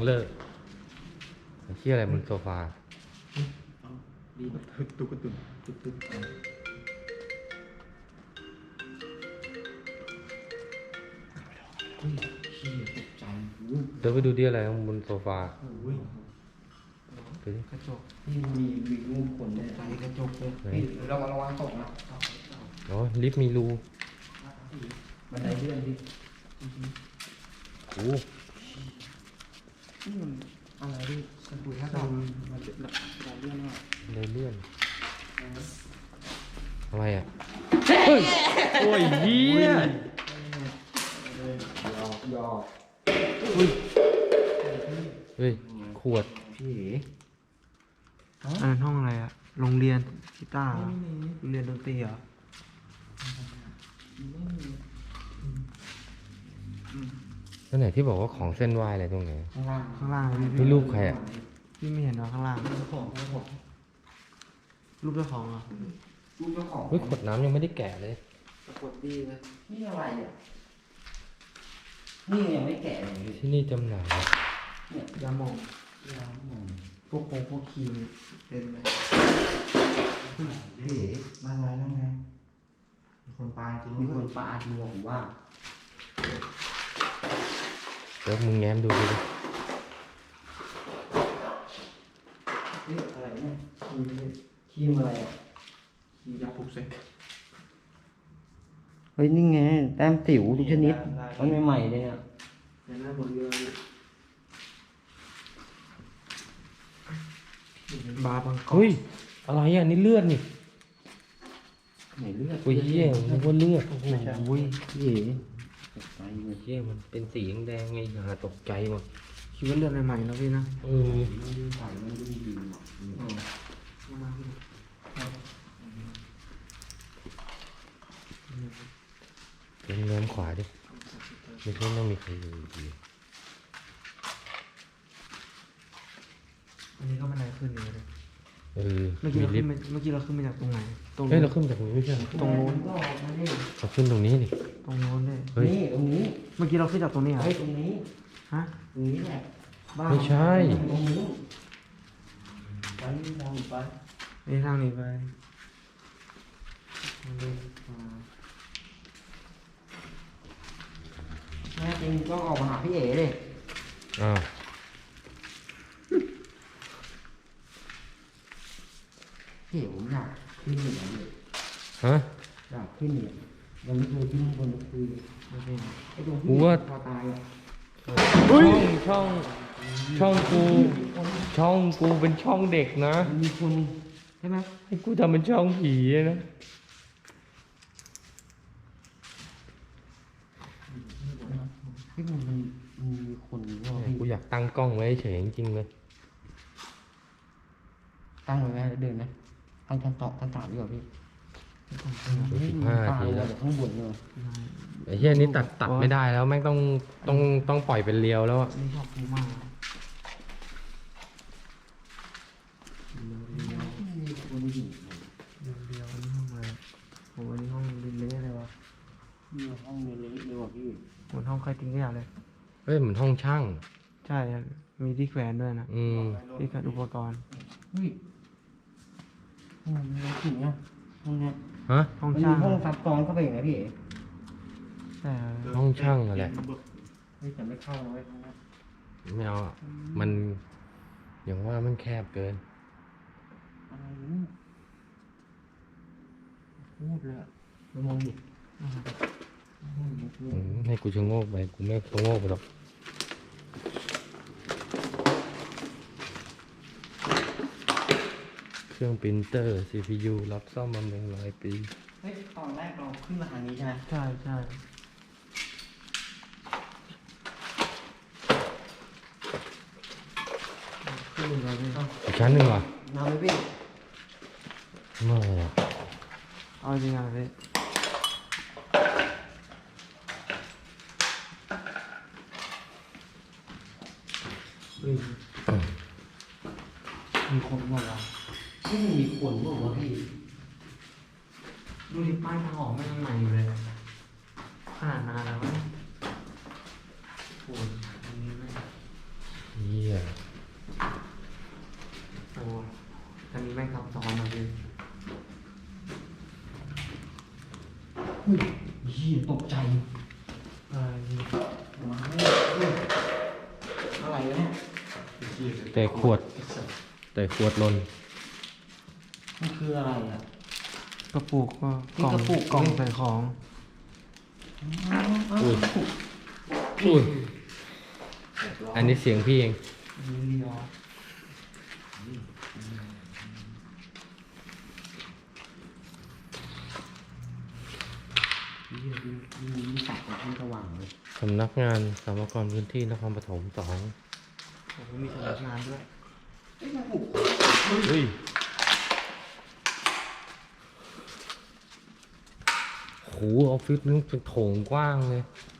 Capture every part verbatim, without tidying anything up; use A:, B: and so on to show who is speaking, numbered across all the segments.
A: เลิกเชี่ยอะไรบนโซฟา
B: ดีตุ๊กตุ๊กตุ๊กตุ๊กตุ๊กเฮ้ยขี้ตกใจ
A: เดี๋ยวไปดูดิอะไรบนโซฟา
B: ไปดิกระจกนี่มีมีรูปคนเนี่ยใส่กระจกเลยนี่ระวังระวังตกนะ
A: อ๋อลิฟต์มีรู
B: บันไดเลื่อนดิ
A: โอ้
B: นี่มันอะไรดิสบู่ถ้าเรามันจะเราเลื่อนว่า
A: เลยเลื่อนอะไรอ่ะเฮ้ยโอ้ยเหี้ย
B: ยอกยอก
A: เฮ้ยขวด
B: พี่
C: อันนั้นห้องอะไรอะโรงเรียนกีตาร์โรงเรียนดนตรีเหรอ
A: นั่นไหนที่บอกว่าของเส้นไหวอะไรตรงไหน
B: ข้างล่าง
C: ข้างล่างพี่
A: นี่รูปใครอ่ะ
C: พี่ไม่เห็นเหรอข้างล่าง
B: เจ้าของเจ้าของ
C: รูปเจ้าของเหรอ
B: รูปเจ้าของ
A: เฮ้ยขวดน้ำยังไม่ได้แกะเลย
B: ปรากฏดีเลยนี่อะไรอ่ะนี่ยังไม่แกะเลย
A: ที่นี่จำหน่าย
B: เนี่ยยาหม่องยาหม่องพวกโคพวกครีมเต็มเลยเฮ้ยมาไงแล้วไงมีคนปาจริงมีคนปาจริงผมว่า
A: เดี๋ยวมึงแง้มดูดิ
B: เฮ้ยอะไรเนี่ยครีมครีมอะไรอ่ะครีมยาปลุกเซ็กเฮ้ยนี่ไงแต้มสิวทุกชนิดมันใหม่ๆเลยอ่ะเห็นหน้าบนเรือบาร์บังกอก
A: เฮ้ยอะไรอ่ะนี่เลือดนี่
B: ไหนเลือด
A: อุ้ยเหี้ยมันว่าเลือดโอ้โห
B: อุ้ยเหี้ยตกใจเลย
A: เหี้ยมันเป็นสีแดงไงหาตกใจหมด
C: คิดว่าเลือดใหม่ๆแล้วพี่นะ
A: เออ
B: มันดูใส่มันดูดี
A: เป็นเนื้อขวาดิไม่ใช่ต้องมีใครอยู่ดี
C: อันนี้ก็บันไดขึ้นอยู่เลย
A: เออ
C: เมื่อกี้เราขึ้นเมื่อกี้เราขึ้นมาจากตรงไหน
A: ตรงเฮ้ยเราขึ้นจากตรงนี้ไม่ใช่
C: ตรงโน้น
A: เราขึ้นตรงนี้นี่
C: ตรงโน้นเลย
A: เฮ้ย
B: ตรงนี้
C: เมื่อกี้เราขึ้นจากตรงนี้เหรอ
B: เฮ้ยตรงนี้
C: ฮะ
B: ตรงนี้แหละ
A: ไม่ใช่
B: ตรงนี้ไปทางไป
C: นี่ทางนี้ไป
B: แม่จริงต้องออกมาหาพี่เอ๋เลย
A: อ้าว
B: พี่เอ๋ผมอยากขึ้นเหนือเลย
A: ฮะ
B: อยากขึ้นเหนือยังไม่เคยขึ้นบนคุยไม่เป็นไอ้ตรงที่พอตายอ่ะ
A: ช่องช่องช่องกูช่องกูเป็นช่องเด็กนะ
B: มีคนใช่ไหม
A: ให้กูทำเป็นช่องผีนะ
B: ที่มันมันมีคนว่า
A: กูอยากตั้งกล้องไว้เฉยจริงๆเลย
B: ตั้งไว้ไหมเดินไหมตั้งชั้นต่อชั้นสามดีกว่าพี่
A: สิบห้าทีแล้ว
B: ข้างบนเลย
A: ไอ้เหี้ยนี้ตัดตัดไม่ได้แล้วแม่งต้องต้องต้องปล่อยเป็นเรียวแล้วอ่ะ
C: นี่ชอบมาก
B: มีคนอยู่
C: เดียวนี่ห้องอะไรโอ้ยนี่ห้องเละๆเลยวะ
B: นี่ห้องเล็กเลยว่ะพี่
C: เหมือนห้องใครทิ้งขยะเลย
A: เฮ้ยเหมือนห้องช่าง
C: ใช่มีที่แขวนด้วยนะ
A: อืม
C: ที่แขวนอุปกรณ์
B: เฮ้ยห้องนี้ถึงเนี่ยห้องเนี้ย
A: ฮะ
C: ห้องช่าง
B: ห้องซับซ้อนเข้าไปอย่างไรพี่
C: ใช่
A: ห้องช่างอะไร
B: เฮ้ยแต่ไม่เข้าเลยห้องนี้
A: ไม่เอามันอย่างว่ามันแคบเกิน
B: อะไรนี่พูดเลยมามองดิ
A: ให้กูชะโงกไปกูไม่ชะโงกไปหรอกเครื่องปรินเตอร์ ซี พี ยู รับซ่อมบำรุงหลายปี
B: เฮ้ยตอนแรกเราขึ้นมาทางนี้ใช่ไหม
C: ใช่ใช่ขึ้นมาเลย
A: อีกชั้นหนึ่งเหรอ
B: น้ำไหมพี่
A: ไม่
C: เอาจริงอ่ะพี่มีคนบอกว่า
B: ที่มีคนบอกว่าพี่
C: ดูดิป้ายทางออกไม่ยังใหม่อยู่เลยขนาดนานแล้วโอ้ยอันนี้ไม่
A: เหี้
B: ฮ้ยเหี้ยตกใจ
C: อะไรนี่
B: มาเฮ้ยอะไรวะเนี่ย
A: แต่ขวด แต่ขวดหล่น
B: มันคืออะไรอ่ะ
C: กระปุกก็
B: นี่
C: กล่อง
B: กระปุก
C: กล่อง
B: นี่
C: ใส่ของ
A: อุ้ยอุ้ยอันนี้เสียงพี่เอง
C: มีเรียว
B: เหี้ยมีมีมีสัตว์ที่สว่างเลย
A: สำนักงานสามกรพื้นที่นครปฐมสอง
C: ผมก็มีสำนักงานด้วย
A: เฮ้ยโหออฟฟิศนึงเป็นโถงกว้างเลย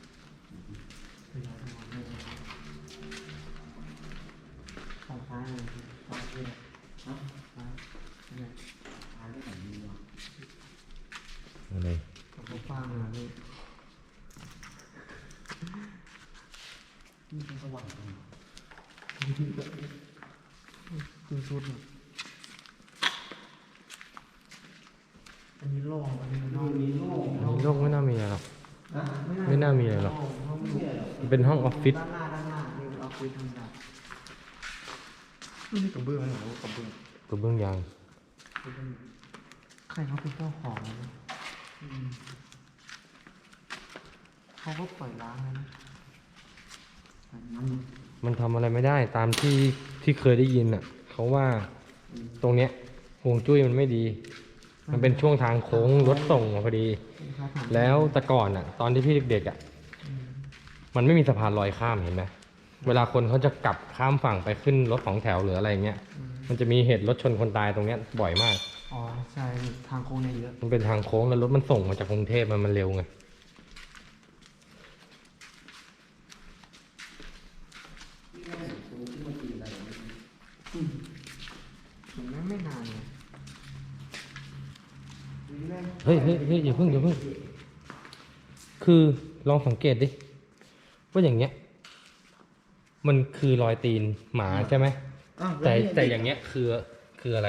C: ฝั่งซ้ายเลยฝั่งซ้ายเลยฮะซ้ายเนี่ย
B: หาเรื่องไหนดีวะ
A: อะไร
C: กระปุกกว้างเลยพี่
B: นี่เป็นสว่างตรง
C: คือชุดเนี่ยอันนี้โล่งอันนี้โล่ง
B: มีโล่ง
A: อันนี้โลกไม่น่ามีอะไรหรอก
B: นะ
A: ไม่น่ามีอะไรหรอก
B: ไม่ใช่หรอก
A: มันเป็นห้องออฟฟิศ
C: ด้านหน้าด้านหน้านี่เป็นออฟฟิศธรรมดาไม่ใช่กระเบื้องนะหรอกระเบื้อง
A: กระเบื้องยาง
C: ใครเขาเป็นเจ้าของนะอืมเขาก็ปล่อยร้างเลยนะ
B: มัน
A: มันทำอะไรไม่ได้ตามที่ที่เคยได้ยินอ่ะเขาว่าตรงเนี้ยห่วงจุ้ยมันไม่ดี มันเป็นช่วงทางโค้งรถส่งมาพอดี
C: เขาถาม
A: แล้วแต่ก่อนอ่ะ ตอนที่พี่เด็กๆอ่ะ
C: อืม
A: มันไม่มีสะพานลอยข้ามเห็นไหมเวลาคนเขาจะกลับข้ามฝั่งไปขึ้นรถสองแถวหรืออะไรเงี้ย
C: อืม
A: มันจะมีเหตุรถชนคนตายตรงเนี้ยบ่อยมาก
C: อ๋อใช่ทางโค้งเนี่ยเยอะ
A: มันเป็นทางโค้งแล้วรถมันส่งมาจากกรุงเทพมันมันเร็วไง
C: ผมไม่ไม่นานเลย
A: เฮ้ยเฮ้ยเฮ้ยอย่าเพิ่งอย่าเพิ่งคือลองสังเกตดิว่าอย่างเงี้ย มันคือรอยตีนหมาใช่ไหม
B: อ้าว
A: แต่
B: ล้วนี่
A: แต่อย่างเงี้ยคือคืออะไร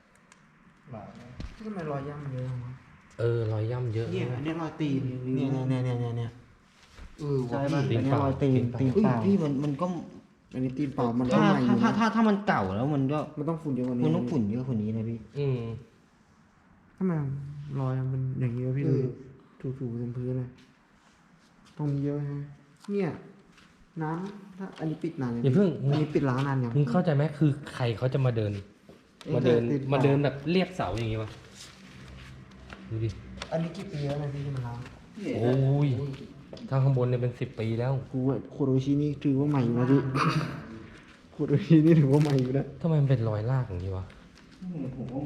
C: ทำไมรอยย่ำเยอะจังวะ
A: เออรอยย่ำเยอะ
C: เนี่ยอันเนี้ยรอยตีนเนี่ยเนี่ยเนี่ยเนี่ยเนี่ยเออ
B: ใช่
C: ว่ะ
B: ป่ะ
C: พี่อันเนี้ยรอยตีนตีน
B: เฮ้ย
C: เปล่า
B: พี่มันมันก็
C: อันนี้ตีนเปล่ามันก็
B: ถ้า
C: ใหม่อยู่
B: ถ้า
C: นะ
B: ถ้าถ้ามันเก่าแล้วมันก็
C: มันต้องฝุ่นเยอะกว่านี้
B: มันต้องฝุ่นเยอะกว่านี้นะพี่
A: อืม
C: ทำไมรอยมันอย่างนี้วะพี่
B: เอ
C: ดู
B: อ
C: ถูๆเต็มพื้นเลยตรงนี้เยอะฮะเนี่ยน้ำถ้าอันนี้ปิดนาน
A: อย่าเพิ่ง
C: อันนี้ปิดล้างนานยัง
A: มึงเข้าใจไหมคือใครเขาจะมาเดิน มาเดิน
C: ติดเปล่า
A: มาเดินแบบเรียบเสาอย่างงี้วะดูดิ
C: อันนี้กี่ปีแล้วนะพี่ที่มันล้าง
A: โอ้ยทางข้างบนเนี่ยเป็นสิบปีแล้ว
C: กูว่าโคโรชินี่ถือว่าใหม่อยู่นะพี่ โคโรชินี่ถือว่าใหม่อยู่นะ
A: ทำไมมันเป็นรอยลากอย่างนี้วะ
B: ผมว่าหมู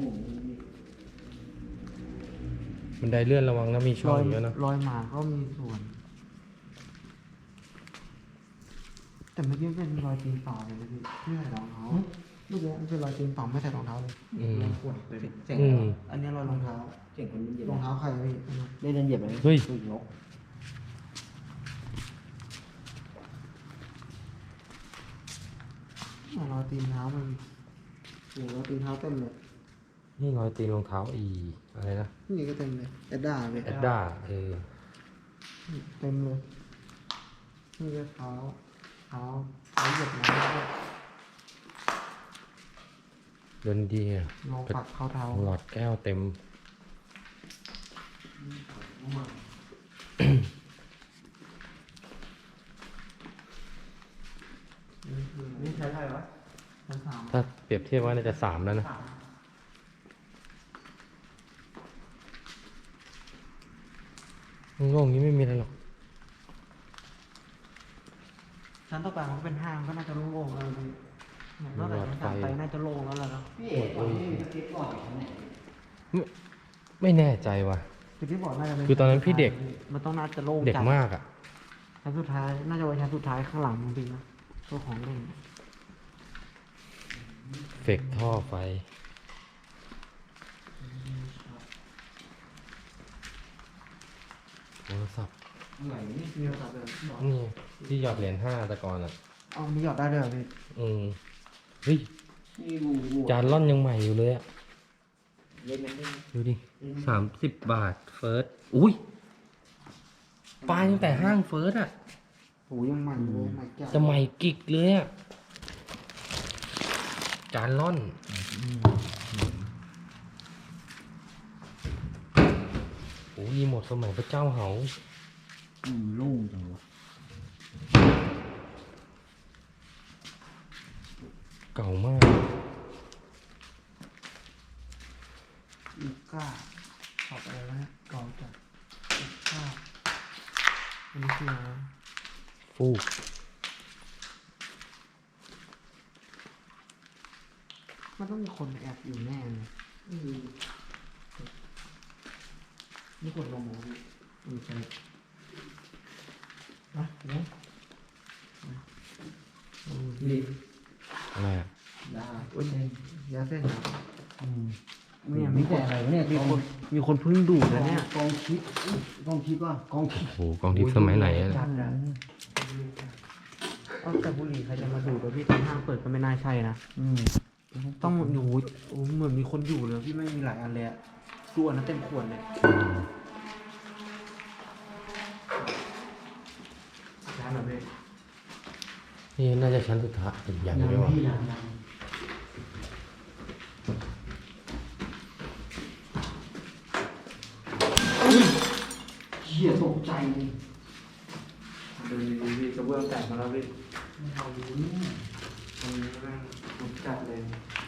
A: บันไดเลื่อนระวังนะมีช่
C: ร
A: อง
C: อย
A: เยอะนะ
C: รอยหมาก็มีส่วน แต่เมื่อกี้เป็นรอยตีนเปล่าเลยนะพี่ไม่ใส่รองเท้าเมื่อกี้มันเป็นรอยตีนเปล่าไม่ใส่รองเท้าเลย
A: อืม
C: ขวดเลย
B: เสียง
A: อืม
C: อันนี้รอยรองเท้า
B: เสียงคนเหยียบ
C: รองเท้าใครพี่
B: ได้เดินเหยียบไหม
A: เฮ้ย
B: นก
C: รอยตีนเท้ามันโอ้โหรอยตีนเท้าเต็มเลย
A: นี่รอยตีนรองเท้าอีอะไรนะ
C: นี่ก็เต็มเลยแอดด้าเลย
A: แอดด้าเออ
C: เต็มเลยนี่ก็เท้าเท้าเท้าเหยียบน้ำด้วย
A: เดินดีอะ
C: ลองปักเข้าเท้า
A: หลอดแก้วเต็ม
C: นี่ใช้อะไรวะชั้นสาม
A: ถ้าเปรียบเทียบว่าน่าจะสามแล้วนะโล่งๆนี้ไม่มีอะไรหรอก
C: ชั้นต่อไปมันก็เป็นห้างก็น่าจะโล่งๆแล้วพี่นอกจากชั้นสามไปน่าจะโล่งแล้วล่ะเนาะ
B: พี่เอกตอนนี้มีสเก็ตบอร์ดอยู่ข้างไหน
A: ไม่ไม่แน่ใจว่ะ
C: คือที่บอกน่าจะเป็น
A: คือตอนนั้นพี่เด็ก
C: มันต้องน่าจะโล่ง
A: เด็ก
C: จัด
A: มากอ่ะ
C: ชั้นสุดท้ายน่าจะไว้ชั้นสุดท้ายข้างหลังมึงพี่นะตัวของเล่น
A: เฟกท่อไฟโทรศัพท์
B: ไหนนี่
C: มีโทรศัพท์เลยบอก
A: นี่ที่หยอดเหรียญห้าแต่ก่อนอ่ะ
C: เอามีหยอดได้เลยเหรอพี่
A: อืมเฮ้ย
B: นี่บูบู
A: จานล่อนยังใหม่อยู่เลยอ่ะ
B: เล่นมันได้ไหม
A: ดูดิสามสิบบาท เฟิร์ส อุ้ยป้ายตั้งแต่ห้างเฟิร์สอ่ะ
C: โอ้ยังใหม่เลยใหม่แก้ว
A: จะใหม่กิกเลยอ่ะ จานล่อน โอ้ยหมดสมัยพระเจ้าเหา
B: อืมโล่งจังวะ
A: เก่ามาก
C: อีก้าขอบอะไรวะเนี่ยเก่าจัดอีก้าอันนี้คืออะไร
A: ฟูก
C: มันต้องมีคนแอบอยู่แน่เลยนี่กดลงหมดเลยอือใช่อ่ะเนาะอืม
B: รีบ
A: อะไรอ่ะ
B: ได้
C: อุ้ยยาเส้นครับ
B: อืม
C: เนี่ย
B: มี
C: มี
B: แต่
C: แต่
B: อะไรวะเนี่ย
C: มี
B: กอง
C: คนมีคนเพิ่งดูดนะเนี่ย
B: กองทิพย์กองทิพย์ว่ะกองทิพย์
A: โอ้โหกองทิพย์สมัยไหนอะ
C: จัดอะเอาแต่บุหรี่ใครจะมาดูดวะพี่ตอนห้างเปิดก็ไม่น่าใช่นะ
B: อืม
C: ต้องอยู่โอ้เหมือนมีคนอยู่เลยพี่ไม่มีหลายอันเลยอะดูอันนั้นเต็มขวดเลยร้านอะไรพี่
A: นี่น่าจะชั้นสุดท้ายยัง
B: ยัง
A: ไม่วะ
B: พี่ยังยังเหี้ยตกใจเลย
C: เดินดีๆพี่กระเบื้องแตกมาแล้วพี่
B: ไม่เอาดูเนี่ย
C: ตรงนี้แม่งลุกจัดเลย